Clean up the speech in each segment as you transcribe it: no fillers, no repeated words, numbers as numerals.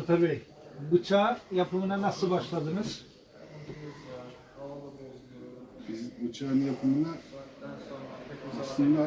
Alper Bey, bıçağı yapımına nasıl başladınız? Biz bıçağın yapımına aslında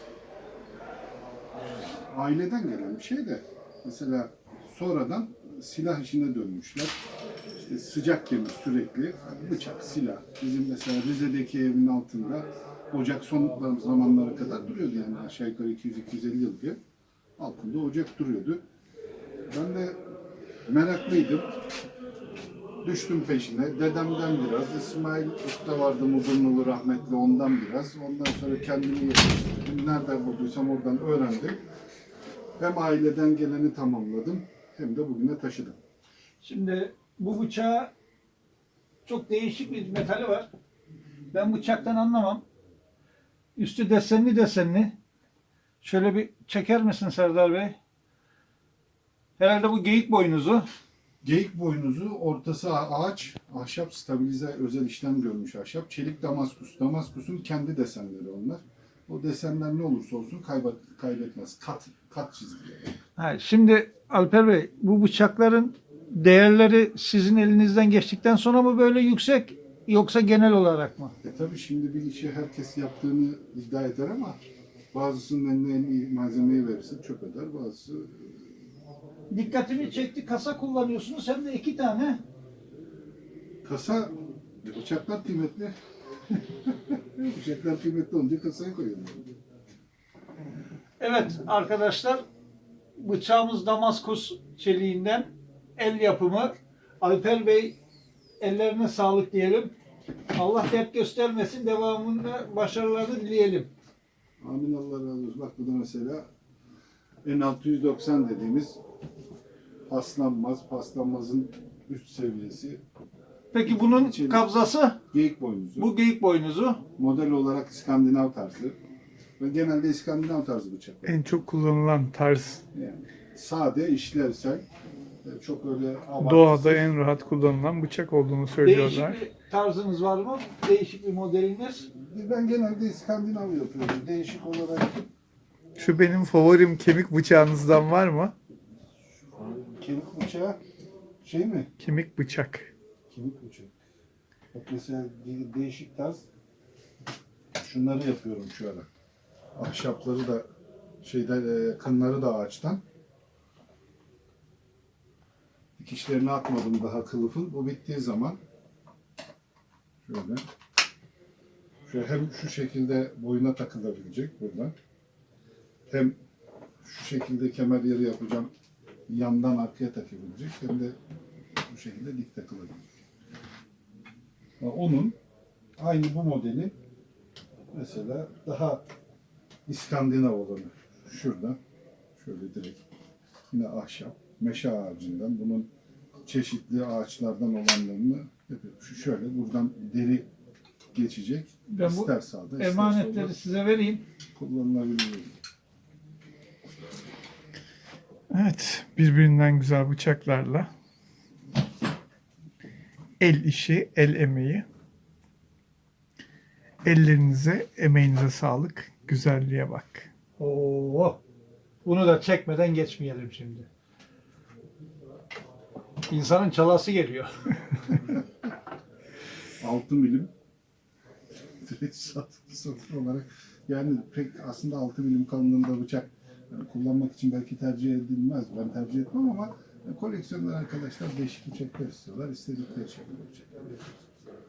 aileden gelen bir şey de mesela sonradan silah işine dönmüşler. İşte sıcak demir sürekli bıçak, silah. Bizim mesela Rize'deki evin altında ocak son zamanlara kadar duruyordu yani aşağı yukarı 200-250 yıl diye. Altında ocak duruyordu. Ben de meraklıydım. Düştüm peşine. Dedemden biraz, İsmail Usta vardı Mudurnu'lu rahmetli ondan biraz. Ondan sonra kendimi yetiştirdim. Nereden bulduysam oradan öğrendim. Hem aileden geleni tamamladım hem de bugüne taşıdım. Şimdi bu bıçağı çok değişik bir metali var. Ben bıçaktan anlamam. Üstü desenli desenli. Şöyle bir çeker misin Serdar Bey? Herhalde bu geyik boynuzu. Geyik boynuzu, ortası ağaç, ahşap stabilize özel işlem görmüş ahşap. Çelik damaskus. Damaskus'un kendi desenleri onlar. O desenler ne olursa olsun kaybetmez. Kat çizgileri. Ha, şimdi Alper Bey, bu bıçakların değerleri sizin elinizden geçtikten sonra mı böyle yüksek yoksa genel olarak mı? Tabii şimdi bir işi herkes yaptığını iddia eder ama bazısının eline en iyi malzemeyi verirse çöp eder. Bazısı Dikkatimi çekti. Kasa kullanıyorsunuz hem de 2 tane. kasa, bıçaklar kıymetli. Bıçaklar kıymetli olunca kasaya koyuyorlar. Evet arkadaşlar, bıçağımız Damaskus çeliğinden, el yapımı. Alper Bey, ellerine sağlık diyelim. Allah dert göstermesin, devamında başarılarını dileyelim. Amin, Allah razı olsun. Bak bu da mesela N690 dediğimiz paslanmazın üst seviyesi. Peki bunun İçeri- kabzası? Geyik boynuzu. Bu geyik boynuzu. Model olarak İskandinav tarzı. Ve genelde İskandinav tarzı bıçaklar. En çok kullanılan tarz. Yani sade, işlevsel. Çok öyle abartısız. Doğada en rahat kullanılan bıçak olduğunu söylüyorlar. Değişik bir tarzınız var mı? Değişik bir modeliniz? Ben genelde İskandinav yapıyorum. Değişik olarak Şu benim favorim, kemik bıçağınızdan var mı? kemik bıçağı şey mi? Kemik bıçak. Kemik bıçak. Bak mesela değişik tarz şunları yapıyorum şu ara. Ahşapları da kınları da ağaçtan. Dikişlerini atmadım daha kılıfın. Bu bittiği zaman şöyle hem şu şekilde boyuna takılabilecek buradan. Hem şu şekilde kemer yeri yapacağım. Yandan arkaya takabilecek. Hem de bu şekilde dik takılabilecek. Onun aynı bu modeli mesela daha İskandinav olanı şurada şöyle direkt yine ahşap meşe ağacından bunun çeşitli ağaçlardan olanlarını yapıyorum. Şu şöyle buradan deri geçecek. Ben bu ister sağda ister emanetleri solda size vereyim. kullanılabilir. Evet, birbirinden güzel bıçaklarla. El işi, el emeği. Ellerinize, emeğinize sağlık. Güzelliğe bak. Oo, bunu da çekmeden geçmeyelim şimdi. İnsanın çalası geliyor. 6 milim direkt satır olarak yani pek aslında 6 milim kalınlığında bıçak yani kullanmak için belki tercih edilmez. Ben tercih etmem ama koleksiyonlar arkadaşlar değişik bıçaklar istiyorlar. İstedikleri şekilde bıçaklar yapıyoruz.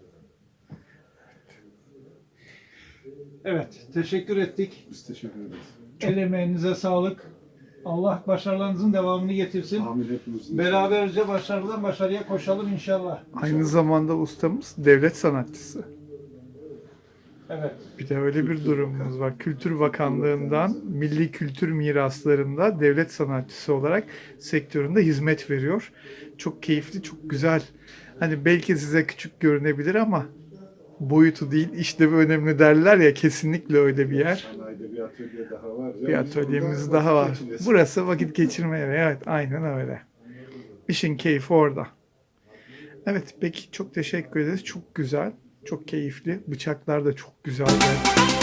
Evet, teşekkür ettik. Biz teşekkür ederiz. El emeğinize sağlık. Allah başarılarınızın devamını getirsin. Amin hepimizin. Beraberce başarıdan başarıya koşalım inşallah. Aynı zamanda ustamız devlet sanatçısı. Evet. Bir de öyle bir durumumuz var. Kültür Bakanlığı'ndan milli kültür miraslarında devlet sanatçısı olarak sektöründe hizmet veriyor. Çok keyifli, çok güzel. Hani belki size küçük görünebilir ama boyutu değil, işlevi önemli derler ya, kesinlikle öyle bir yer. Sanayide bir atölye daha var. Bir atölyemiz daha var. Burası vakit geçirme yeri. Evet, aynen öyle. İşin keyfi orada. Evet, peki çok teşekkür ederiz. Çok güzel, çok keyifli. Bıçaklar da çok güzel.